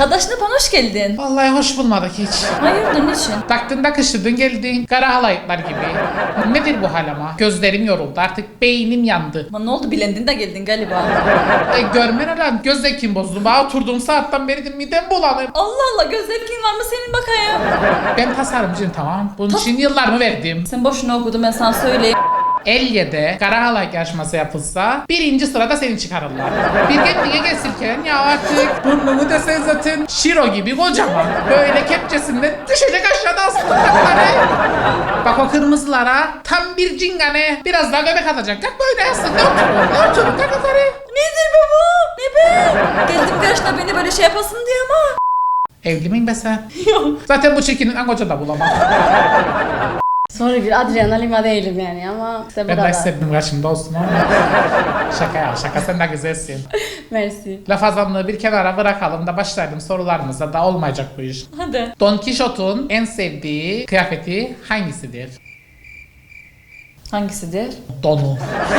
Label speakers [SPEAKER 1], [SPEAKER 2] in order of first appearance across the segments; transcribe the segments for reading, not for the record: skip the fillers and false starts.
[SPEAKER 1] Çağdaş Napan hoş geldin.
[SPEAKER 2] Vallahi hoş bulmadık hiç.
[SPEAKER 1] Hayırdır niçin?
[SPEAKER 2] Taktın da kışırdın geldin. Kara halayıklar gibi. Nedir bu hal ama? Gözlerim yoruldu artık beynim yandı.
[SPEAKER 1] Ama ne oldu bilendin de geldin galiba.
[SPEAKER 2] Görmen lan göz zevkim bozdu. Bana oturduğum saatten beri de midem bulanır.
[SPEAKER 1] Allah Allah göz zevkin var mı senin bakayım?
[SPEAKER 2] Ben tasarımcıyım tamam. Bunun için yıllarımı verdim.
[SPEAKER 1] Sen boşuna okudun ben sana söyleyeyim.
[SPEAKER 2] Elye'de kara halayık yarışması yapılsa birinci sırada seni çıkarırlar. Bir kendine gelirken ya artık burnumu desen zaten Şiro gibi kocaman. Böyle kepçesinden düşecek aşağıda aslında. Bak o kırmızılara tam bir cingane biraz daha göbek atacak. Kalk böyle aslında oturun kalk yukarı.
[SPEAKER 1] Nedir baba? Ne be? Geldim karşına beni böyle şey yapasın diye ama.
[SPEAKER 2] Evli miyim be sen?
[SPEAKER 1] Yok.
[SPEAKER 2] Zaten bu çirkinin en koca da bulamam.
[SPEAKER 3] Sonra bir Adriana Lima değilim yani ama işte bu
[SPEAKER 2] Ben de
[SPEAKER 3] kadar.
[SPEAKER 2] istedim karşımda olsun ama. Şaka ya şaka sen de güzelsin.
[SPEAKER 3] Mersi.
[SPEAKER 2] Laf azanlığı bir kenara bırakalım da başlayalım sorularımıza da olmayacak bu iş.
[SPEAKER 1] Hadi.
[SPEAKER 2] Don Quixote'un en sevdiği kıyafeti hangisidir?
[SPEAKER 1] Hangisidir?
[SPEAKER 2] Donu.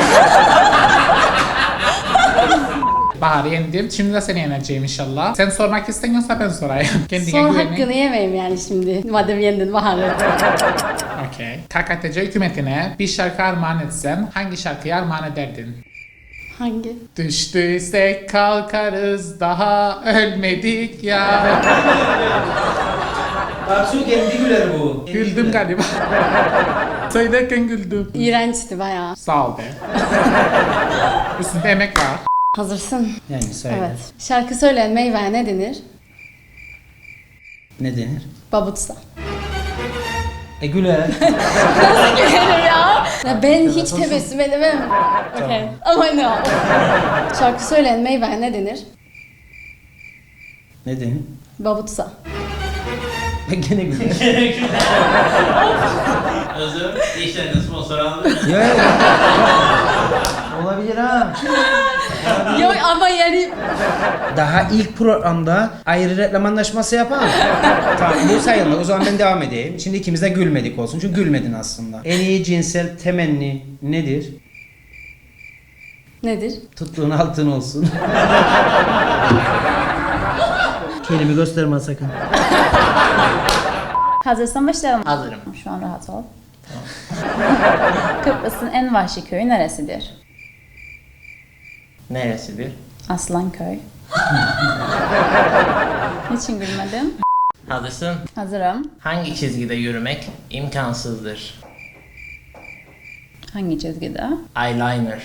[SPEAKER 2] Bahar'ı yendim. Şimdi de seni yeneceğim inşallah. Sen sormak istemiyorsa ben sorayım. Kendine
[SPEAKER 3] Son
[SPEAKER 2] güvenin.
[SPEAKER 3] hakkını yemeyeyim yani şimdi. Madem yendin Bahar'ı.
[SPEAKER 2] Okey. KKTC hükümetine bir şarkı armağan etsen hangi şarkıyı armağan ederdin?
[SPEAKER 3] Hangi?
[SPEAKER 2] Düştüysek kalkarız daha ölmedik ya.
[SPEAKER 4] Tarsu kendi güler bu.
[SPEAKER 2] Güldüm galiba. Söylerken güldüm.
[SPEAKER 3] İğrençti bayağı.
[SPEAKER 2] Sağ ol be. Üstünde emek var.
[SPEAKER 3] Hazırsın.
[SPEAKER 4] Yani söyle.
[SPEAKER 3] Evet. Şarkı söyleyen meyveye ne denir?
[SPEAKER 4] Ne denir?
[SPEAKER 3] Babutsa.
[SPEAKER 4] Güler.
[SPEAKER 3] Nasıl gülerim ya? Ya ben hiç tebessüm edemem. Okay. Ama ne o? Şarkı söyleyen meyveye ne denir?
[SPEAKER 4] Ne denir?
[SPEAKER 3] Babutsa.
[SPEAKER 4] Gene güler.
[SPEAKER 5] Özür işlerinde sponsor aldı.
[SPEAKER 4] Ya. Olabilir ha.
[SPEAKER 3] Yok ama yani
[SPEAKER 4] Daha ilk programda ayrı reklam anlaşması yapalım. Tamam bu sayılmaz. O zaman ben devam edeyim. Şimdi ikimiz de gülmedik olsun. Çünkü gülmedin aslında. En iyi cinsel temenni nedir?
[SPEAKER 3] nedir?
[SPEAKER 4] Tuttuğun altın olsun. Kendimi gösterme sakın.
[SPEAKER 6] Hazırsan başlayalım.
[SPEAKER 5] Hazırım.
[SPEAKER 6] Şu an rahat ol. Kıbrıs'ın en vahşi köyü neresidir?
[SPEAKER 5] Neresidir?
[SPEAKER 6] Aslanköy. Niçin gülmedin?
[SPEAKER 5] Hazırsın.
[SPEAKER 6] Hazırım.
[SPEAKER 5] Hangi çizgide yürümek imkansızdır?
[SPEAKER 6] Hangi çizgide?
[SPEAKER 5] Eyeliner.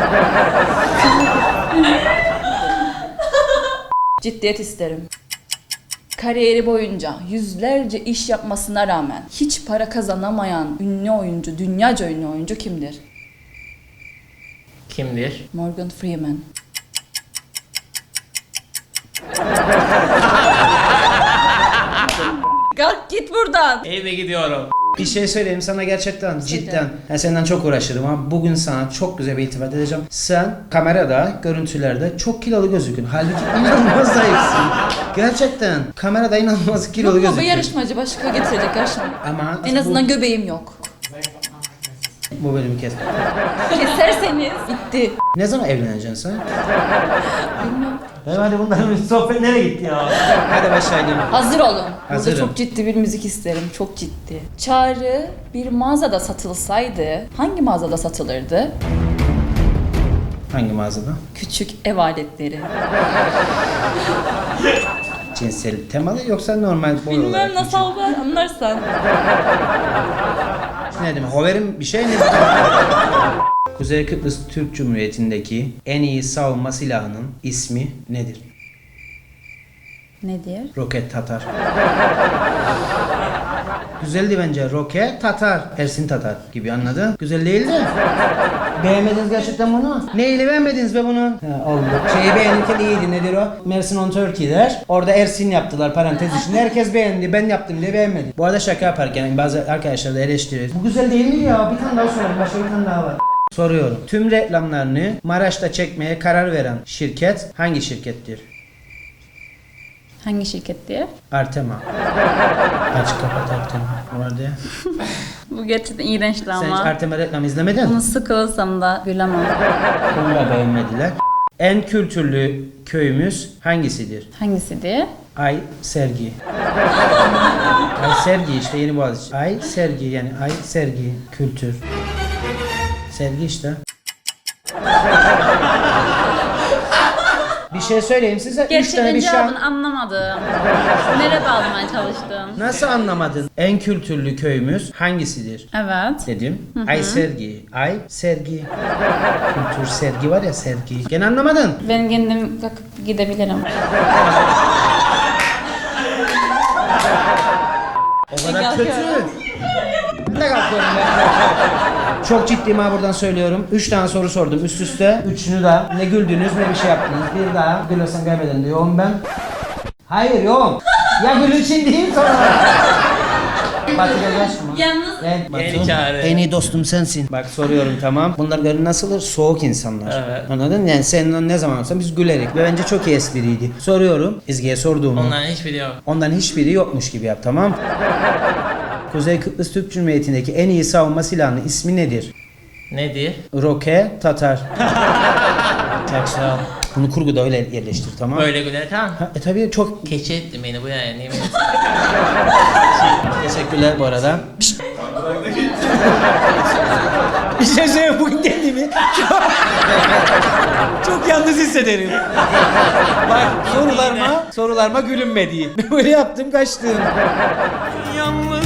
[SPEAKER 1] Ciddiyet isterim. Kariyeri boyunca yüzlerce iş yapmasına rağmen hiç para kazanamayan ünlü oyuncu, dünyaca ünlü oyuncu kimdir?
[SPEAKER 5] Kimdir?
[SPEAKER 1] Morgan Freeman. Kalk git buradan.
[SPEAKER 5] Eve gidiyorum.
[SPEAKER 4] Bir şey söyleyeyim sana gerçekten cidden. Ben senden çok uğraşırım ama bugün sana çok güzel bir iltifat edeceğim. Sen kamerada, görüntülerde çok kilolu gözükün. Halbuki inanılmaz zayıfsın. Gerçekten. Kamerada inanılmaz kilolu
[SPEAKER 1] Yok mu bu
[SPEAKER 4] gözükün.
[SPEAKER 1] yarışmacı başka getirecek karşıma.
[SPEAKER 4] Ama
[SPEAKER 1] En azından göbeğim yok.
[SPEAKER 4] bu bölümü kes.
[SPEAKER 1] Keserseniz bitti.
[SPEAKER 4] Ne zaman evleneceksin sen? Bilmiyorum. Hadi bunların sohbet nereye gitti ya? Hadi başlayalım.
[SPEAKER 1] Hazır olun. Burada
[SPEAKER 4] Hazırım.
[SPEAKER 1] çok ciddi bir müzik isterim. Çok ciddi. Çağrı bir mağazada satılsaydı hangi mağazada satılırdı?
[SPEAKER 4] Hangi mağazada?
[SPEAKER 1] Küçük ev aletleri.
[SPEAKER 4] Cinsel temalı yoksa normal boy olarak?
[SPEAKER 1] Bilmem nasıl var anlarsan.
[SPEAKER 4] Ne demek? Hover'in bir şey mi? Kuzey Kıbrıs Türk Cumhuriyeti'ndeki en iyi savunma silahının ismi nedir?
[SPEAKER 6] Nedir?
[SPEAKER 4] Roket Tatar. Güzeldi bence. Roket Tatar. Ersin Tatar gibi anladın? Güzel değildi. Beğenmediniz gerçekten bunu. Neyle beğenmediniz be bunun? Ha, oldu. Şeyi beğenirken iyiydi. Nedir o? Mersin on Turkey der. Orada Ersin yaptılar parantez içinde. Herkes beğendi. Ben yaptım diye beğenmedi. Bu arada şaka yaparken bazı arkadaşlar da eleştiriyor. Bu güzel değil mi ya? Bir tane daha sorayım. Başka bir tane daha var. Soruyorum. Tüm reklamlarını Maraş'ta çekmeye karar veren şirket hangi şirkettir?
[SPEAKER 6] Hangi şirkettir?
[SPEAKER 4] Artema. Aç kapat Artema. Orada.
[SPEAKER 6] Bu gerçekten iğrençti
[SPEAKER 4] Sen
[SPEAKER 6] ama.
[SPEAKER 4] hiç Artema reklamı izlemedin?
[SPEAKER 6] Bunu sıkılsam da gülemem.
[SPEAKER 4] Bunu da beğenmediler. En kültürlü köyümüz hangisidir?
[SPEAKER 6] Hangisidir?
[SPEAKER 4] Ay Sergi. Ay Sergi işte Yeni Boğaziçi. Ay Sergi yani Ay Sergi kültür. Sergi işte. Bir şey söyleyeyim size. 3 tane
[SPEAKER 6] Gerçekten
[SPEAKER 4] bir şey.
[SPEAKER 6] cevabını anlamadım. Nereye bağlamaya çalıştın?
[SPEAKER 4] Nasıl anlamadın? En kültürlü köyümüz hangisidir?
[SPEAKER 6] Evet.
[SPEAKER 4] Dedim. Ay Sergi. Ay Sergi. Kültür sergi var ya sergi. Gene anlamadın.
[SPEAKER 6] Ben kendim kalkıp gidebilirim.
[SPEAKER 4] O kadar kötü. Ben de kalkıyorum ben. Çok ciddiyim ha buradan söylüyorum. 3 tane soru sordum üst üste. Üçünü de ne güldünüz ne bir şey yaptınız. Bir daha gülürsen kaybeden diyorum ben. Hayır yok. Ya gülüşün değil sonra. Batu yaklaşma.
[SPEAKER 6] Yalnız
[SPEAKER 5] Yeni çağrı.
[SPEAKER 4] En iyi dostum sensin. Bak soruyorum tamam. Bunlar görün nasıldır? Soğuk insanlar.
[SPEAKER 5] Evet.
[SPEAKER 4] Anladın? Yani seninle ne zaman olsa biz gülerik. Ve bence çok iyi espriydi. Soruyorum. İzgi'ye sorduğumu.
[SPEAKER 5] Onların hiçbiri yok.
[SPEAKER 4] Ondan hiçbiri yokmuş gibi yap tamam. Kuzey Kıbrıs Türk Cumhuriyeti'ndeki en iyi savunma silahının ismi nedir?
[SPEAKER 5] Nedir?
[SPEAKER 4] Roke Tatar. Çok sağ ol. Bunu kurguda öyle yerleştir tamam.
[SPEAKER 5] Böyle gülerken
[SPEAKER 4] Ha, tabii çok
[SPEAKER 5] keçi ettin beni bu yani. Niye beni-
[SPEAKER 4] teşekkürler bu arada. Bir şey söyleyeyim bugün kendimi çok yalnız hissederim. Bak sorularıma gülünmedi. Böyle yaptım kaçtım. Yalnız